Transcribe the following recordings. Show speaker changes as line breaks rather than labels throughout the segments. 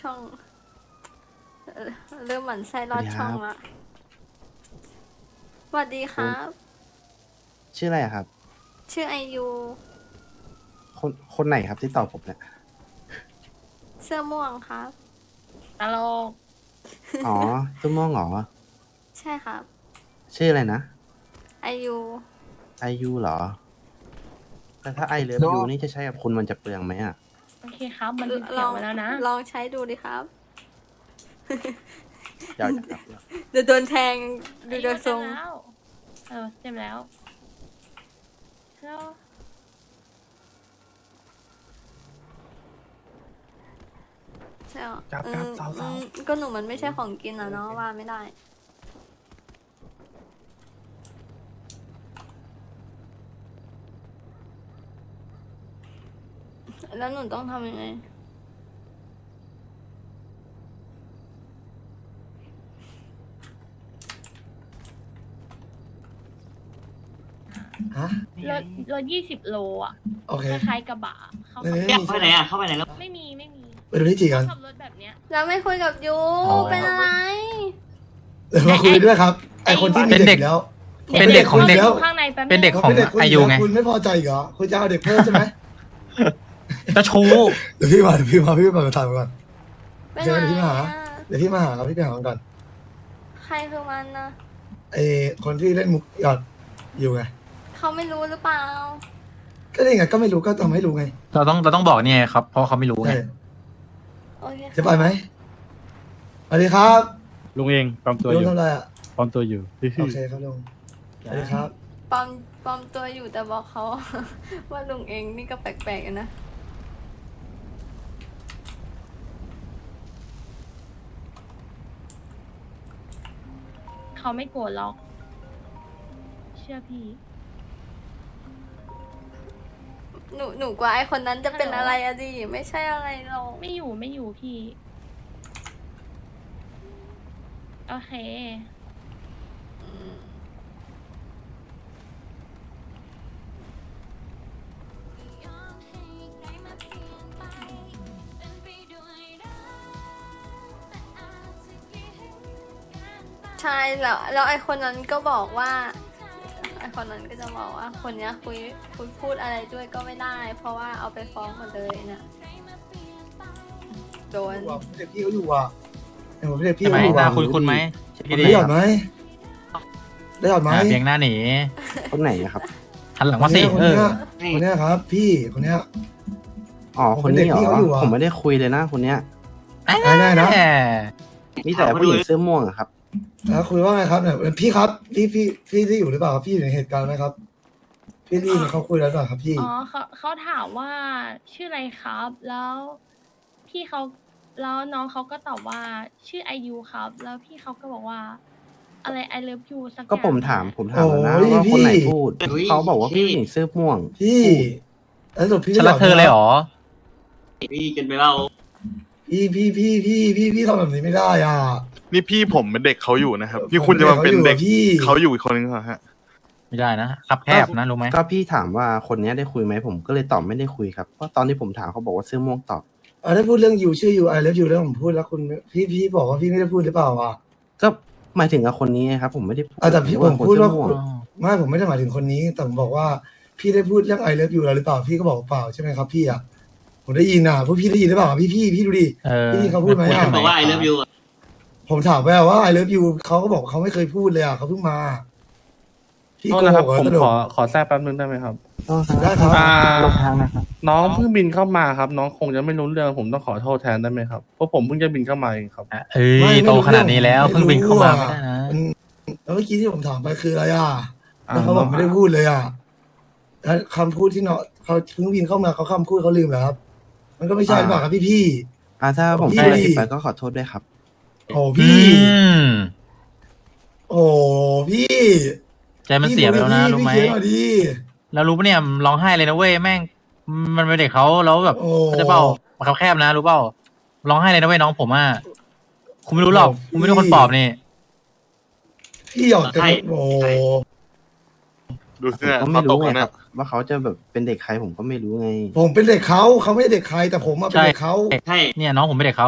ช่องเอ่อเริ่มหมั่นไส้ลอดช่องละสวัสดีครับ
ชื่ออะไรอะครับ
ชื่อไอยู
คนไหนครับที่ตอบผมเนี่ย
เสื้อม่วงครับ
ตลก
อ๋อตุ้มม่วงเหรอ
ใช่ครับ
ชื่ออะไรนะ
ไอยู
ไอยูเหรอ แต่ถ้าไอเลิฟยูนี่จะใช้กับคุณมันจะเปลืองไหมอ่ะ
โอเคครับ มันเป็น
ล
เสีย
อง ง
มาแล้วนะ
ลองใช้ดูดิครับ
เดี๋ยวครับเดี๋ยว
เดี๋ยวโดนแทงดูโดยทรง
เต็มแล้วแล้ว
ใช่หรอ
ครับสาวๆ
ก็หนูมันไม่ใช่ของกินอ่ะเนาะว่าไม่ได้ แล้วหนูต้องทำยังไง
ฮะ
รถ20 โลอ่ะ
โอเค
คล้ายๆกระบะเขา
นี่
ขับ
นี่
เข้าไปไหนอ่ะ เข้าไปไหนแล้ว
ไม่มี
ไปดูที่จีกัน
ขับรถแบบเนี้ย
แล้วไม่คุยกับยู
อ๋อ
เป็นอะไร
เดี๋ยวมาคุยด้วยครับ ไอคนที่มี
เป็นเด็
เด็
ก
กแล้ว
เป็นเด็กของเด็ก
แล้ว
ข้างในแป๊บ
เป็นเด็ก
เขา
ของ
เป็นเด็กคุณ
อายุไง
คุณไม่พอใจอีกเหรอ คุณจะเอาเด็กเพิ่มใช่ไหม
จะชู้
เดี๋ยวพี่มาพี่มาถามก่อน
เป็น
เดี๋ยว
ไร
พี่มาหา
อะ
เดี๋ยวพี่มาหาครับพี่ไปหามันก่อน
ใครคือมันนะ
ไอคนที่เล่นมุกหยอดอยู่ไง
เขาไม่รู้หรือเปล่า
ก็นี่ไงก็ไม่รู้ก็ทำให้รู้ไง
เราต้องบอกเนี่ยครับ เพราะเขาไม่รู้ไง
ใช่
โอเค
จะไปไหมสวัสดีครับ
ลุงเองปลอมตัวอ
ลุง
ยู่
ทำอะไรอ่ะ
ปลอมตัวอยู่
โอเคครับลุงสวัสดีครับ
ปลอมตัวอยู่แต่บอกเขา ว่าลุงเองนี่ก็แปลกๆอะนะ
เขาไม่โกรธหรอก เชื่อพี่
หนูกว่าไอคนนั้นจะเป็นอะไรอะดิไม่ใช่อะไรหรอก
ไม่อยู่พี่ โอเค
ใช่แล้วไอคนนั้นก็บอกว่าไอคนนั้นก็จะบอกว่า คนเนี้ยคุยพูดอะไรด้วยก็ไม่ได้ เพราะว่าเอาไปฟ้องหมดเลยนะโดน
เด็กพี่เขาอยู่อ่ะเดี๋ยวผมเด็กพี่
ใช่ไหม
เขาอยู่
หน้า
อ่ะ
คุ้นไหมพี่
ได้
เด็
หยอดไหมได้หยอดไหม
เพียงหน้าหนี
คนไหนอะครับ
หันหลังมาสิ
คน
เออ
เนี้ยคนเนี้ยครับ พี่คนเนี้ย
อ๋อ คนนี้เหร
ผมเป็นเด็กพี่
อ
เขาอยู่อะ
ผมไม่ได้คุยเลยนะคนเนี้ย
ได้นะ
แหม
มีแต่ผู้หญิงเสื้อม่วงอะครับ
แล้วคุยว่าไงครับเนี่ยพี่ครับพี่ที่อยู่หรือเปล่าครับพี่อยู่ในเหตุการณ์ไหมครับ พี่ได้ยินเขาคุยแล้วหรือเปล่าครับพี่
อ๋อเขาถามว่าชื่ออะไรครับ แล้วพี่เขาแล้วน้องเขาก็ตอบว่าชื่อไอยูครับ แล้วพี่เขาก็บอกว่า อะไร I love you สักอย่าง
ก็ผมถามแล้วนะ
โอ้ย
ว่าคนไหน
พี่
พูด
อุ๊ย
เขาบอกว่าผู้หญิงเสื้อม่วง
พี่แล้วสรุดพี่
ฉันรักเธอเลยเหรอ
พี่กันไปเล่า
พี่ทำแบบนี้ไม่ได้อ่ะ
นี่พี่ผมเป็นเด็กเขาอยู่นะครับ พี่คุณจะมาเป็นเด็ก
พี่
เขาอยู่อีกคนนึงเหรอฮะ
ไม่ได้นะขับแคบนะรู้ไหม
ก็พี่ถามว่าคนเนี้ยได้คุยไหมผมก็เลยตอบไม่ได้คุยครับเพราะตอนที่ผมถามเขาบอกว่าเสื้อม่วงตอบ
ถ้าพูดเรื่องยูชื่อยูไอเลิฟยูแล้วผมพูดแล้วคุณพี่บอกว่าพี่ไม่ได้พูดหรือเปล่าอ่ะ
ก็หมายถึงกับคนนี้ไงครับ ผมไม่ได้พูด
แต่พี่ผม
คน
พูด
เสื้อ
ว่า
ม่วง
ไม่ผมไม่ได้หมายถึงคนนี้ แต่ผมบอกว่าพี่ได้พูดเรื่องไอเลิฟยูแล้วหรือเปล่าพี่ก็บอกเปล่าใช่ไหมครับพี่อ่ะผมได้ยินอ่ะพวกพี่ได้ยินหรือเปล่าพี่ดูดิ
เออ
พี่เขาพูดไหมอะ
บอกว่า I love you อ่ะ
ผมถามไปว่าไอเลิฟยูเขาก็บอกเขาไม่เคยพูดเลยอ่ะเขาเพิ่งมาพี่
โท
โก
ษนะค
ห
รับ
กเหรอ
ผม
สรุป
ขอแทรกแป๊บนึงได้ไหมครับ
ได้ครับ
อ่า
ลงทางนะครับ
น้องเพิ่งบินเข้ามาครับ น้องคงจะไม่รู้เรื่องผมต้องขอโทษแทนได้ไหมครับเพราะผมเพิ่งจะบินเข้ามาเองครับ
เอ้ยโตขนาดนี้แล้วเพิ่งบินเข้ามาไม่ได้นะ
แล้วเมื่อกี้ที่ผมถามไปคืออะไรอ่ะ
อ่า
แล้วเขาบอกไม่ได้พูดเลยอ่ะแล้วคำพูดที่เนาะเขาเพิ่งบินเข้ามาเขาคำพูดเขาลืมแล้วครับ มันก็ไม่ใช่หรือเปล่าครับพี่
ถ้าผม
พี่
พูดอะไรผิดไปก็ขอโทษด้วยครับ
โอ้
อื
พี่
ม
โอ้พี่
ใจมันเสียไปแล้วนะรู้ไหม
พี่เขียนหน่อยดิ
แล้วรู้ปะเนี่ยร้องไห้เลยนะเว้ยแม่งมันเป็นเด็กเขาแล้วแบบ
โอ้
เขาจะเปล่าเขาแคบนะรู้เปล่าร้องไห้เลยนะเว้ยน้องผมอ่ะคุณไม่รู้หรอกคุณไม่ใช่คนปอบนี่
พี่หยอดแต่
ใช่
โอ้
ดูสิ
ผม
เนี่ย
ก็
เขา
ไม่
ตก
รู้ไง
แล้ว
ค
เนี่
รับ ว่าเขาจะแบบเป็นเด็กใครผมก็ไม่รู้ไง
ผมเป็นเด็กเขาไม่ใช่เด็กใครแต่ผมมาเป็นเด็กเขา
ใช่
เนี่ยน้องผมเป็นเด็กเขา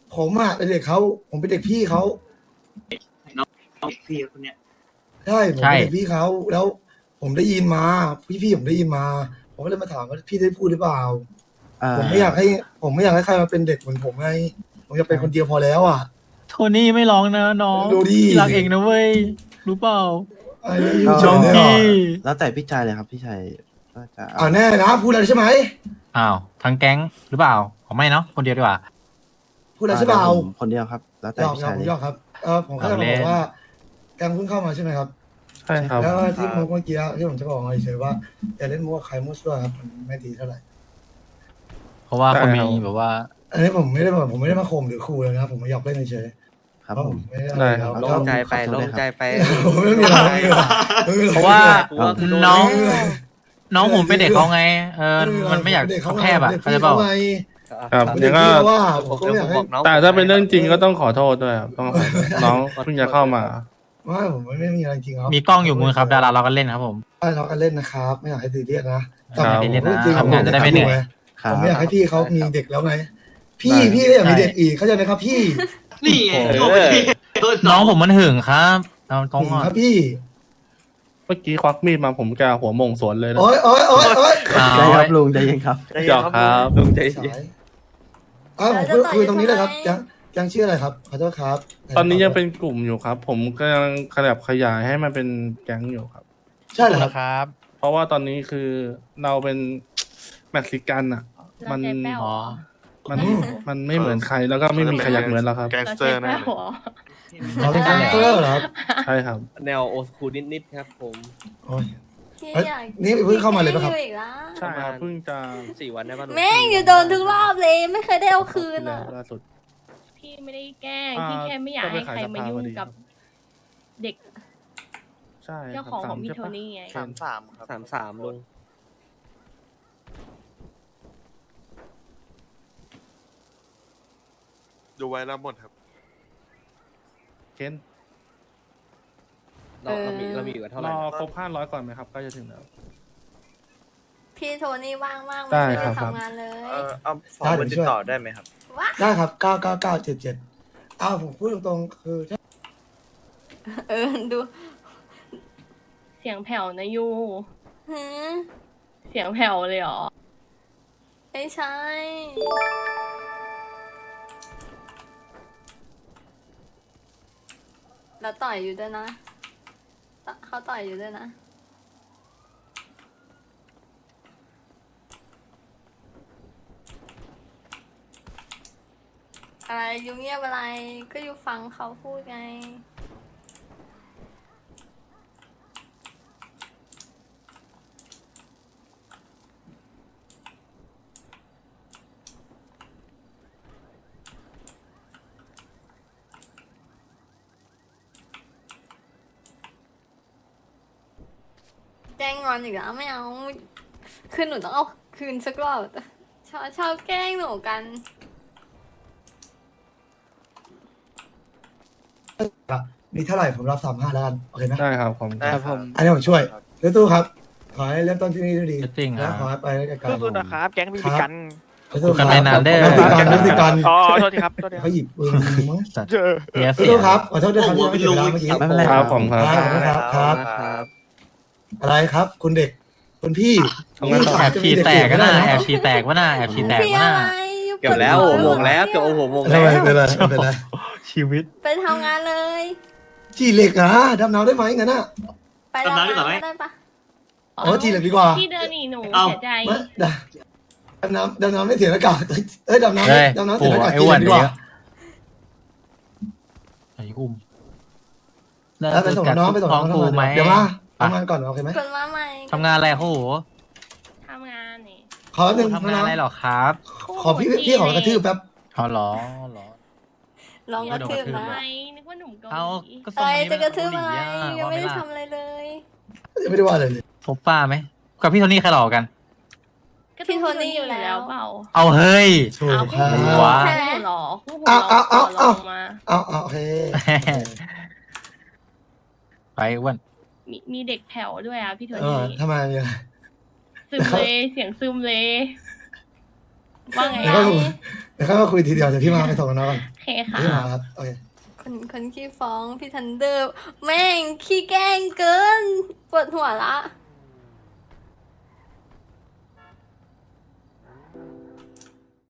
ผมอ่ะเป็นเด็กเขาผมเป็นเด็กพี่เขา
น้องพี่คนเนี้ย
ใช่ผมเป็นเด็กพี่เขาแล้วผมได้ยินมาพี่ผมได้ยินมา ผมก็เลยมาถามว่าพี่ได้พูดหรือเปล่า ผมไม่อยากให้ใครมาเป็นเด็กเหมือนผมไงผมอยากเป็นคนเดียวพอแล้วอ่ะ
โทนี่ไม่ร้องนะน้อง
ดูดิ
พี่รักเองนะเว้ยรู้เปล่า
ไอ้เรื่องยู
ก็
เฉยเนี่ย
พี่
แล้วแต่พี่ชายเลยครับพี่ชายก็จะ
แน่นะพูดอะไรใช่ไหม
อ้าวทั้งแก๊งหรือเปล่าผมไม่เนาะคนเดียวดีกว่า
พูดอะไรใช่เปล่า
ผมคนเดียวครับ แล้วแต่
ยอม
พี่
ยอ
ชาม ยเลย
ยอมครับผมแค่จะ
เอา
บ
เล่
อน กว่าแกงเพิ่งเข้ามาใช่ไหมครับ
ใช่ครับ
แล้วที่เมื่อกี้ที่ผมจะบอกเฉยๆว่าอย่าเล่นมั่วใครมั่วซั่วครับมันไม่ดีเท่าไหร่
เพราะว่าเขามี
ได้ครับ
แบบว่า
อันนี้ผมไม่ได้มาข่มหรือขู่เลยนะครับผมมาหยอกเล่นเฉย
ครับ
เพราะ
ผ
ผม มไม่ได้
ได้ครับ
แล้ว
โล่
ก็
งใจไป
ขอโทษ
โล่
ด้ว
ง
ยครับ
ใจไป
ผมไม่มีอะไรไม่มีอะไรไม่มีอไ
เพราะว่า
กูโด
น้อง
ไม่มีอะไร
น้องผมเป็นเด็กเขาไงมันไม่อยาก
เด็กเขา
แคบอ่ะ
เด็ก
เขา
พี่
ใจเปล่า
เขาไง
ครับ
เด็
เดี๋
ก
ยวก็
พี่เขาว่าผมก็ไม่อยากให้
แต่ถ้าเป็นเรื่องจริงก็ต้องขอโทษด้วยครับต้องขอโทษน้องเพิ่งจะเข้ามา
ว่าผมไม่มีอะไรจริงครับ
มีกล้องอยู่มือครับดาราเราก็เล่นครับผม
เรากันเล่นนะครับ ไม่อยากให้ตีเรียกนะ
ครับ
ผม
ไม่ได้เล่นนะ
จริงๆ
ทำงานจะได้ไม่เหนื่อย
ครับ
ผมไม่อยากให้พี่เขามีเด็กแล้วไง พี่
ได้
พี่ก็อยากมีเด็กอีกเข้าใจไหมครับพี่
นี่ไง
เออ
โอ้ยโดนส
น้
อ
อง งผมมันหึงครับเอาตรง
หึง
อ่ะ
ครับพี่
เมื่อกี้ควักมีดมาผมกะหัวโมงสวนเลยนะ
โอ๊ย
ใจครับลุงใจเย็นครับ
หยอกครับ
ลุงใจ
สา
เย็น
ยผมคุยตรงนี้เลยครับยังชื่ออะไรครับขอโทษครับ
ตอนนี้ยังเป็นกลุ่มอยู่ครับ ผมกำลังขยับขยายให้มันเป็นแก๊งอยู่ครับ
ใช่เหรอครับ
ครับ
เพราะว่าตอนนี้คือเราเป็นเม็กซิกันอ่ะ
เรา
มัน
ใจแป้วเหรอ
มันไม่เหมือนใครแล้วก็ไม่มีใครอยากเหมือนเราครับ
แก๊ง
เรา
สเต
ใจ
อร์แน่
แป้ว
เลย
เหรอ
เราเป็นแก๊งสเตอร์เหรอครับ
ใช่ครับ
แนวโอสคูลนิดๆครับผม
โอ้ย
พี่
เอ้ย
อยาก
นี่เพิ่งเข้ามาเลยปะครับ
พี่อยู่อีกแล้ว
ใช่ครับเพิ่งจะ
4 วันได้ป่ะลุ
แม่งอยู่โดนทุกรอบเลย ไม่เคยได้เอาคืนอ่ะ
ล่าสุด
พี่ไม่ได้แกล้ง
อ่า
พี่แค่ไม่อยากให้ใครมายุ่งกับเด็ก
ใช่
เจ้า
ครับ
ของของ
3
พี่
ใช่
โท
ปะ
นี่ไง
33 ครับ
33ลุง
ดูไว้แล้วหมดครับ
เคน
เรามีอยู่กันเท่าร ไหร่
อ
นะ
ครบ500ก่อนไหมครับใกล้จะถึงแล้ว
พี่โทนี่ว่างมาก
ได้
ไม่
ครั
ได้
บ
ทำงานเลย
เอาฟอร์มมันติดต่อได้ไหมครับ
ได้ครับ99977ผมพูดตรงๆคือ
ดู
เสียงแผ่วนะยู
หืม
เสียงแผ่วเลยเหรอ
ไม่ใช่ แล้วต่อยอยู่ด้วยนะเขาต่อยอยู่ด้วยนะ อะไรยูเงียบอะไร ก็ยูฟังเขาพูดไง แกล้งงอนอีกแล้วไม่เอา คือหนูต้องเอาคืนสักรอบชอบแกล้งหนูกัน
มีเท่าไหร่ผมรับ35แล้วกันโอเคไหม
ได้ครับผม
ได้ครับ
อันนี้ผมช่วยเรือตู้ครับ ขอให้เริ่มต้นที่นี่ด้วยดี
จริง
และ
อ่ะ
ขอให้ไปด้วยกัน
สู้ๆนะครับ แก๊งพี่พิกัน
สู้กันไปนานเด้อ
นักติกัน
อ๋อโทษทีครับโทษทีครั
เขา
บ
หยิบปืนยิงมั้ง
สัตว์
เจอ
เสีย
เรือตู้ครับขอโทษด้วยครับที่ไม่เก็บเวลาเมื่อกี้
ไม่เป็นไร
ครับผมครับ
ครับ อะไรครับ คุณเด็ก คุณพี่
ทำงานต่อ
แอบฉี่แตกก็น่าแอบฉี่แตกวะน่าแอบฉี่แตก
พี่
วะ
อะ
น่า
ไรยู
เกือบแล้ว
ปิ
โอ้
ด
โหโมงแล้วเกือบโอ้โหโมง
ไม่
แล้ว
เป็นไรไม่เป็นไร
ชีวิต
ไปทำงานเลย
จีเหล็กนะดำน้ำได้ไหมงั้นน่ะ
ไป
ดำน้ำดีกว่าไหม
ได้ปะ
อ๋อจีเหล็กดีกว่า
พี่เดินหนีหนู
เอ้า
เสียใจ
ไม่ดำน้ำไม่เสียอากาศเอ้ยดำน้
เฮ้ย
ำดำน้ำ
โอ้
เสียอากาศ
ไอ้
จี
อ้
เห
ว
ล็
น
กดีกว่า
ไอ้อุ้ม
แล้วไปส่งน้องไปส่งน้อง
กูไหม
เดี๋ยวมาทำงานก่อนโอเคไหม
คนมาใหม่
ทำงานอะไรโอ้โห
ทำงานนี่
ขอหนึ่ง
ทำงานอะไรหรอครับ
ขอพี่ขอกระทืบแป๊บ
อ๋อเหรอเหรอ
ลองกระทืบ
ทำ
นะ
ไมนึกว่าหนุ่มเกา
เอา
หลี
ก็
อะ
ส่ง
ไร
วันนี้
จะกระทืบ
เกา
อะ
ห
ไร
ลี
ยังไม่ได้
ว่า
ทำอะไรเลย
ยังไม่ได้ว่าอะไรเลย
พบป้าไหมกับพี่โทนี่ใครหล่อกัน
ก็
พี่โทนี่อยู่แล้ว
เปล่า
เอาเฮ้ย
ถูก
เอา
ค
คู่
รับ
หู
ว้า
คู่หูหรอคู่หู
เอา
มา
เอาโอเค
ไปอ้วน
มีเด็กแผ่วด้วยอ่ะพี่โท
เอ
นี่
อทำไมมีอะไร
ซึมเลยเสียงซึมเลยว่าไง
แล้วก็
อ่ะ
ผมเดี๋ยวค่อยมาคุยทีเดียวเดี๋ยวพี่มาไปถกกันนะก่อน
โอเคค่ะ
พี่มาครับโอเค
คนขี้ฟ้องพี่ทันเดอร์ แม่งขี้แกล้งเกินปวดหัวละ